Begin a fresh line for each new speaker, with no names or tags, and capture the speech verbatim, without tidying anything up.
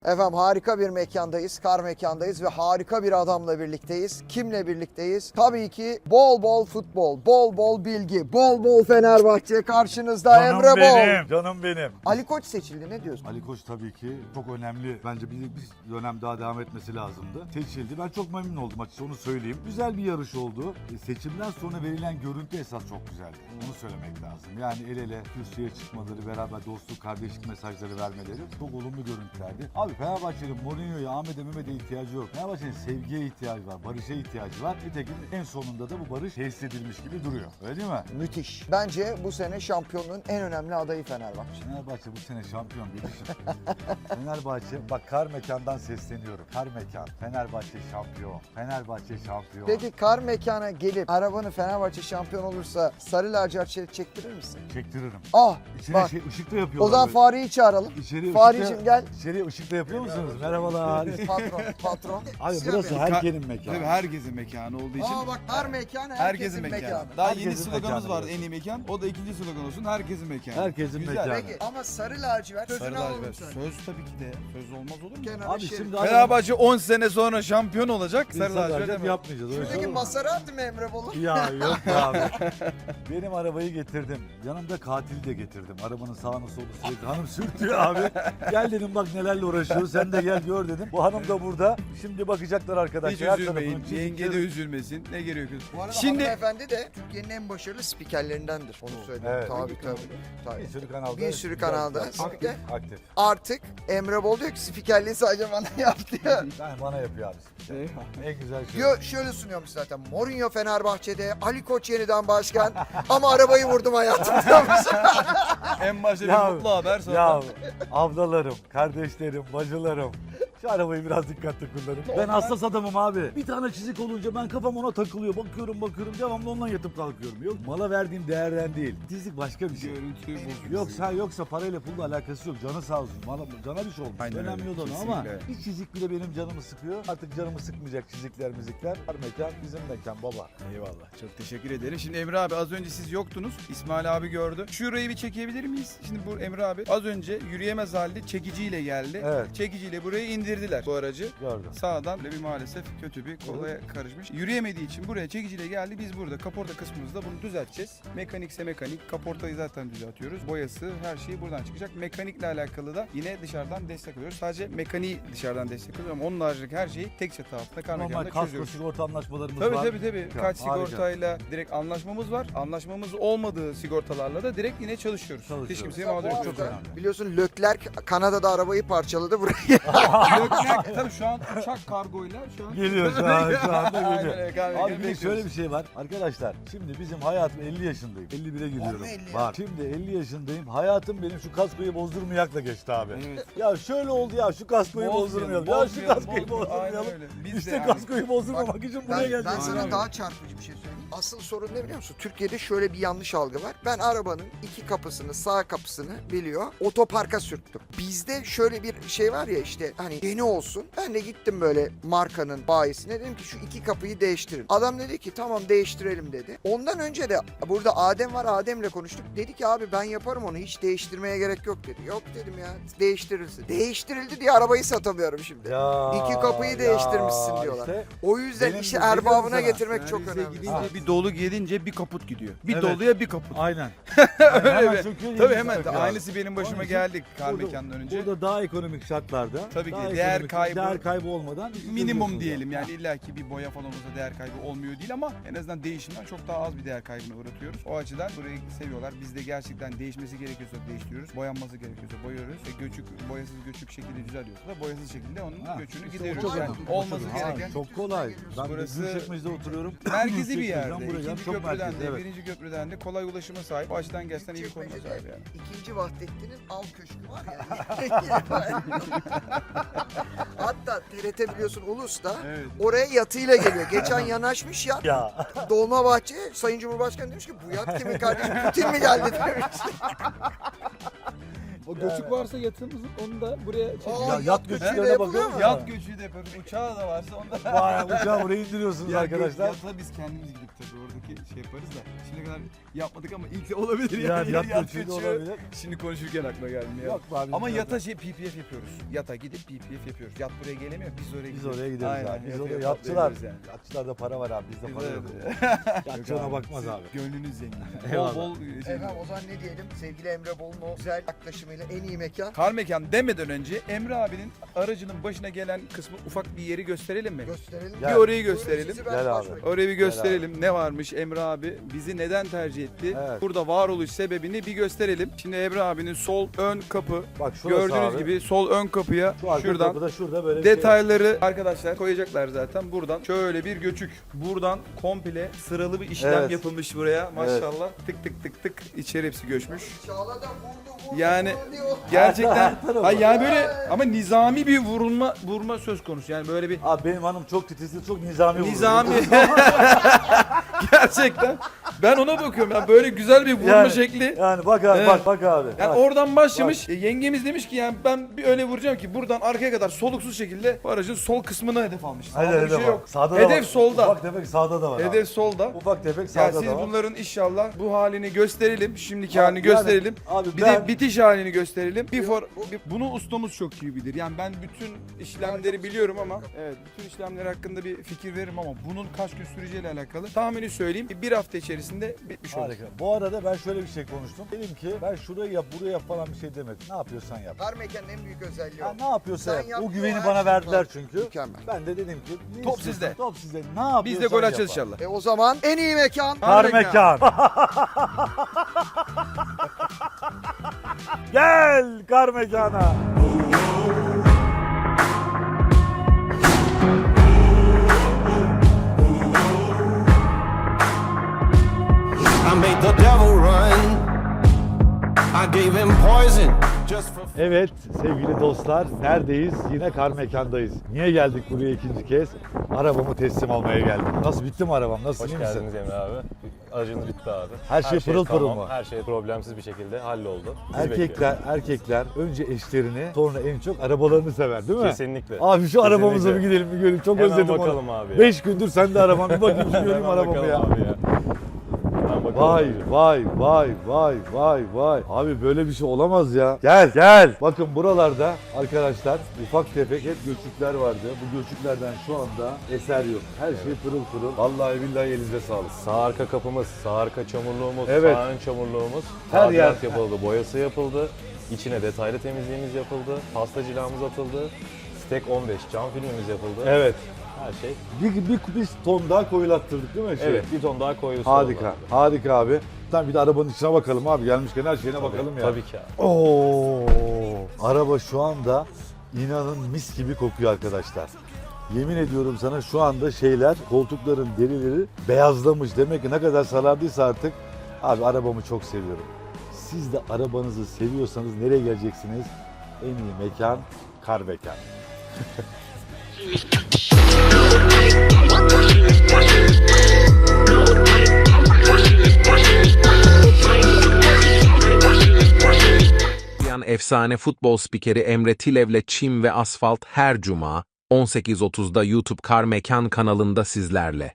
Efendim harika bir mekandayız, kar mekandayız ve harika bir adamla birlikteyiz. Kimle birlikteyiz? Tabii ki bol bol futbol, bol bol bilgi, bol bol Fenerbahçe karşınızda
Canım
Emre Bol.
benim, canım benim.
Ali Koç seçildi, ne diyorsun?
Ali Koç tabii ki çok önemli. Bence bir, bir dönem daha devam etmesi lazımdı. Seçildi. Ben çok memnun oldum açıkçası, onu söyleyeyim. Güzel bir yarış oldu. E, seçimden sonra verilen görüntü esas çok güzeldi. Onu söylemek lazım. Yani el ele kürsüye çıkmaları, beraber dostluk, kardeşlik mesajları vermeleri çok olumlu görüntülerdi. Abi Fenerbahçe'nin Mourinho'ya, Ahmet'e, Mehmet'e ihtiyacı yok. Fenerbahçe'nin sevgiye ihtiyacı var, barışa ihtiyacı var. Nitekim en sonunda da bu barış tesis edilmiş gibi duruyor. Öyle değil mi?
Müthiş. Bence bu sene şampiyonluğun en önemli adayı Fenerbahçe.
Fenerbahçe bu sene şampiyon bir Fenerbahçe, bak kar mekandan sesleniyorum. Kar mekan, Fenerbahçe şampiyon, Fenerbahçe şampiyon.
Peki kar mekana gelip arabanı Fenerbahçe şampiyon olursa sarı lacivert şerit çektirir misin?
Çektiririm.
Ah
İçine
bak.
şey, ışıkla yapıyorlar.
O zaman
böyle.
Fahri'yi çağıralım.
İçeri
Fahri'cim
ışıkla-
gel.
İçeriye ışıkla yapıyor musunuz? Merhabalar.
Patron, patron.
Abi burası herkesin mekanı.
Tabii herkesin mekanı olduğu için.
Aa bak kar mekanı herkesin,
Herkesin mekanı.
mekanı.
Daha
Herkesin
yeni sloganımız
mekanı
vardı,
burası.
en iyi mekan. O da ikinci slogan olsun, herkesin mekanı.
Herkesin
Güzel.
mekanı.
Peki ama sarı lacivert
Sarı
sözünü alalım
lacivert.
sen.
Söz tabii ki de. Söz olmaz olur mu?
Kenara
Abi
şerit.
şimdi
Fenerbahçe on sene sonra şampiyon olacak.
Biz
Sarı lacivert
lacivert
hemen.
yapmayacağız. öyle şey
Şuradaki
olur mu?
Maserati mi Emre Bolu?
Ya yok be abi. Benim arabayı getirdim. Yanımda katili de getirdim. Arabanın sağını solunu sürekli hanım sürtüyor abi. Gel dedim bak nelerle uğraşıyoruz. Sen de gel gör dedim. Bu hanım da burada. Şimdi bakacaklar arkadaşlar.
Hiç
Her
üzülmeyin.
tarafının
Yenge de
çizikleri-
üzülmesin. Ne gerekiyor?
Bu arada
Şimdi
hanımefendi de Türkiye'nin en başarılı spikerlerindendir. Onu söyleyeyim.
Evet.
Tabii tabii. tabii.
Bir sürü kanalda.
Bir sürü kanalda
Aktif.
spiker.
Aktif.
Artık Emre Bol diyor ki spikerliği sadece bana yaptı ya.
Ben bana yapıyor abi. En güzel şey.
Diyor, şöyle sunuyormuş zaten. Mourinho Fenerbahçe'de, Ali Koç yeniden başkan ama arabayı vurdum hayatım diyormuş.
en başta
Ya-
bir mutlu haber sonra.
Ya ablalarım, kardeşlerim, bacılarım. Şu arabayı biraz dikkatli kullanın. Ben hassas adamım abi. Bir tane çizik olunca ben kafam ona takılıyor. Bakıyorum bakıyorum devamlı ondan yatıp kalkıyorum. Yok mala verdiğim değerden değil. Çizik başka bir şey.
Görüntü bozuyor.
Yoksa yoksa parayla pulla alakası yok. Canı sağ olsun. Bana, cana bir şey olmuş.
Aynen
Önemli
öyle,
olan o ama
kesinlikle.
bir çizik bile benim canımı sıkıyor. Artık canımı sıkmayacak çizikler müzikler. Her mekan bizim mekan baba.
Eyvallah. Çok teşekkür ederim. Şimdi Emre abi az önce siz yoktunuz. İsmail abi gördü. Şurayı bir çekebilir miyiz? Şimdi bu Emre abi az önce yürüyemez halde çekiciyle geldi.
Evet.
Çekiciyle burayı indirdiler bu aracı.
Gördüm.
Sağdan böyle bir maalesef kötü bir kolaya karışmış. Yürüyemediği için buraya çekiciyle geldi. Biz burada kaporta kısmımızda bunu düzelteceğiz. Mekanikse mekanik. Kaportayı zaten düzeltiyoruz. Boyası her şeyi buradan çıkacak. Mekanikle alakalı da yine dışarıdan destek alıyoruz. Sadece mekaniği dışarıdan destek alıyoruz ama onun haricindeki her şeyi tek çatı altında kar
Normal
mekanında
kasko
çözüyoruz.
sigorta anlaşmalarımız
Tabii
var.
tabii tabii.
Tamam,
Kaç
harika.
sigortayla direkt anlaşmamız var. Anlaşmamız olmadığı sigortalarla da direkt yine çalışıyoruz.
Çalışıyoruz.
Hiç kimseye
Bu
mağdur etmiyoruz.
çok
arada
önemli.
biliyorsun Leclerc Kanada'da arabayı parçaladı buraya.
Leclerc tabii şu an uçak kargoyla şu an
Geliyor şu an, şu anda
Aynen
geliyor.
öyle, kar
Abi
mekanı
bir de
bekliyoruz.
şöyle bir şey var. Arkadaşlar şimdi bizim hayatım elli yaşındayım. elli bire giriyorum.
Olma elli ya.
Var. Şimdi elli yaşındayım. Hayatım benim şu kaskoyu bozdurmayakla geçti abi.
Evet.
Ya şöyle oldu ya şu kaskoyu
Bozmayalım,
bozdurmayalım. Ya şu
bozmayalım,
kaskoyu
bozmayalım. Aynen
bozdurmayalım.
öyle. Biz de
İşte
yani-
kaskoyu bozdurmamak için buraya
Ben,
geldik.
ben sana
Aynen.
daha çarpıcı bir şey söyleyeyim. Asıl sorun ne biliyor musun? Türkiye'de şöyle bir yanlış algı var. Ben arabanın iki kapısını, sağ kapısını biliyor, otoparka sürttüm. Bizde şöyle bir şey var ya işte hani yeni olsun. Ben de gittim böyle markanın bayisine dedim ki şu iki kapıyı değiştirin. Adam dedi ki tamam değiştirelim dedi. Ondan önce de burada Adem var, Adem'le konuştuk. Dedi ki abi ben yaparım onu, hiç değiştirmeye gerek yok dedi. Yok dedim ya, değiştirirsin. Değiştirildi diye arabayı satamıyorum şimdi.
Ya,
İki kapıyı
ya,
değiştirmişsin diyorlar.
işte
O yüzden
Benim
işi
de biliyorum
erbabına
sana.
getirmek çok
Servise
önemli.
gidince
Ha.
bir dolu gelince bir kaput gidiyor. Bir
Evet.
doluya bir kaput.
aynen.
Öyle
Hemen
bir.
söküyor,
Tabii
yenisi
hemen
takıyor.
aynısı benim başıma
Onun için
geldi kar
burada-
mekanından önce.
Burada daha ekonomik şartlarda.
Tabii ki
daha
değer
ekonomik-
kaybı-
değer kaybı olmadan
Minimum
görüyorsunuz
diyelim
ya.
yani illaki bir boya falan olursa değer kaybı olmuyor değil ama en azından değişimden çok daha az bir değer kaybına uğratıyoruz. O açıdan burayı seviyorlar. Biz de gerçekten değişmesi gerekiyorsa değiştiriyoruz. Boyanması gerekiyorsa boyuyoruz. Ve göçük, boyasız göçük şekilde düzeliyorsa da boyasız şekilde onun
Ha,
göçünü
işte o
gideriyoruz.
çok
Yani
önemli.
olması
Ha,
gereken
Çok kolay. Ben
Burası-
Gülçekmece'de oturuyorum.
merkezi bir
Gülçekmece'den
yerde.
buraya
İkinci
çok
köprüden
merkezde,
de,
evet.
birinci köprüden de kolay ulaşıma sahip. O açıdan gerçekten iyi bir konuma sahip yani.
İkinci Vahdettin'in av köşkü var ya. Hatta T R T biliyorsun Ulus'ta
Evet.
oraya yatıyla geliyor. Geçen yanaşmış ya.
Ya
Dolmabahçe'ye Sayın Cumhurbaşkanı demiş ki bu yat kimin kardeşim Putin mi geldi demiş.
O göçük varsa yatımızın onu da buraya çekelim.
Aa,
Ya, yat göçüklerine
göçüğü de
bakıyor
yapılıyor
musun?
mu?
Yat göçüğü de yaparız. Uçağı da varsa onu da.
Vay uçağı buraya indiriyorsunuz
Ya
arkadaşlar.
Yata biz kendimiz gidip tabii oradaki şey yaparız da. Şimdiye kadar yapmadık ama ilk de olabilir
Yani
yani.
yat göçüğü de olabilir.
Şimdi konuşurken aklıma gelmiyor.
Yok be abi.
Ama
biz
yata şey P P F yapıyoruz. Yata gidip P P F yapıyoruz. Yat buraya gelemiyor. Biz oraya
Biz
gidiyoruz.
oraya gideriz
Aynen,
abi. Biz
yataya
oraya yatçılar.
patlayabiliriz yani.
Yatçılarda para var abi. Bizde
Biz
para yok.
öyle.
Yatçı ona bakmaz abi.
Gönlünüz zengin. Bol
Eyvallah.
bol şey.
Efendim o zaman ne diyelim? Sevgili Emre Bol'un o güzel yaklaşımıyla en iyi mekan.
Kar mekan demeden önce Emre abinin aracının başına gelen kısmı ufak bir yeri gösterelim mi?
Gösterelim.
Gel.
Bir orayı
Buyurun,
gösterelim.
sizi ben
Gel
baş
abi.
bırakayım.
Orayı bir gösterelim. Ne varmış Emre abi? Bizi neden tercih etti?
Evet.
Burada varoluş sebebini bir gösterelim. Şimdi Emre abinin sol ön kapı.
Bak şurası
Gördüğünüz
abi.
gibi sol ön kapıya
Şu arka
şuradan
kapıda şurada böyle bir şey var.
detayları arkadaşlar koyacaklar zaten. Buradan şöyle bir göçük. Buradan komple sıralı bir işlem
Evet.
yapılmış buraya. Maşallah. Tık tık tık tık içeri hepsi göçmüş.
Çağla da vurdu vurdu
Yani
vurdu diyor.
gerçekten
Her tarafı.
ay yani böyle ama nizami bir vurulma vurma söz konusu. Yani böyle bir
Abi benim hanım çok titizli, çok nizami vurur.
nizami gerçekten ben ona bakıyorum. Yani böyle güzel bir vurma
Yani-
şekli.
Yani bak abi
Evet.
bak bak abi.
Yani
Bak.
oradan başlamış. E, yengemiz demiş ki yani ben bir öyle vuracağım ki buradan arkaya kadar soluksuz şekilde bu aracın sol kısmına hedef almış.
Hadi
Sağda bir
hedef
şey
var.
yok.
Sağda da
Hedef
var.
solda.
Ufak tefek sağda da var abi.
Hedef solda.
Ufak tefek
Ya
sağda
siz
da var.
bunların inşallah bu halini gösterelim. Şimdiki
Abi
halini
yani-
gösterelim.
Abi
Bir
ben-
de bitiş halini gösterelim. Before, bunu ustamız çok iyi bilir. Yani ben bütün işlemleri biliyorum ama evet bütün işlemler hakkında bir fikir veririm ama bunun kaç gün süreceğiyle alakalı tahmini söyleyeyim. Bir hafta içerisinde bitmiş olur.
Harika. Bu arada ben şöyle bir şey konuştum. Dedim ki ben şurayı yap, burayı yap falan bir şey demedim. Ne yapıyorsan yap.
Kar mekanın en büyük özelliği o.
Ya ne yapıyorsa
Sen
yap.
yap,
O güveni
her
bana
şey
verdiler
var.
çünkü.
Mükemmel.
Ben de dedim ki ne
Top
istiyorsan,
sizde.
Top sizde. Ne yapıyorsan
Biz de gol açacağız
yapar.
inşallah.
E o zaman en iyi mekan.
Kar
Kar
mekan. Gel kar mekana.
I made the devil run. I gave him poison just for
Evet sevgili dostlar neredeyiz? Yine kar mekandayız. Niye geldik buraya ikinci kez? Arabamı teslim almaya geldim. Nasıl bitti mi arabam? Nasıl
Hoş
iyi misin?
geldiniz Emre abi. Aracınız bitti abi.
Her şey pırıl pırıl
tamam,
mı?
Her şey problemsiz bir şekilde halloldu. Sizi
Erkekler erkekler önce eşlerini sonra en çok arabalarını sever değil mi?
Kesinlikle.
Abi şu arabamıza bir
Kesinlikle.
gidelim bir göreyim. Çok
Hemen
özledim
bakalım
onu.
abi ya.
Beş gündür sen de araban bir bakayım şu göreyim
Hemen
arabamı
bakalım
ya.
abi ya. Hemen bakalım
Vay
abi.
vay vay vay vay vay. Abi böyle bir şey olamaz ya. Gel gel. Bakın buralarda arkadaşlar ufak tefek hep göçükler vardı. Bu göçüklerden şu anda eser yok. Her şey pırıl pırıl. Vallahi billahi elinize sağlık.
Sağ arka kapımız, sağ arka çamurluğumuz,
Evet.
sağ ön çamurluğumuz.
Her
Her
yer-
yapıldı, boyası yapıldı. İçine detaylı temizliğimiz yapıldı. Pasta cilamız atıldı. Stek on beş cam filmimiz yapıldı.
Evet.
Her şey.
Bir, bir, bir ton daha koyulattırdık değil mi? Şey?
Evet, bir ton daha koyusu
Harika.
oldu.
Harika abi. Tamam bir de arabanın içine bakalım abi. Gelmişken her şeyine bakalım ya.
Tabii ki abi.
Oo, araba şu anda inanın mis gibi kokuyor arkadaşlar. Yemin ediyorum sana şu anda şeyler, koltukların derileri beyazlamış. Demek ki ne kadar sarardıysa artık. Abi arabamı çok seviyorum. Siz de arabanızı seviyorsanız nereye geleceksiniz? En iyi mekan Kar Mekan.
Efsane futbol spikeri Emre Tilev'le Çim ve Asfalt her cuma on sekiz otuzda YouTube Kar Mekan kanalında sizlerle.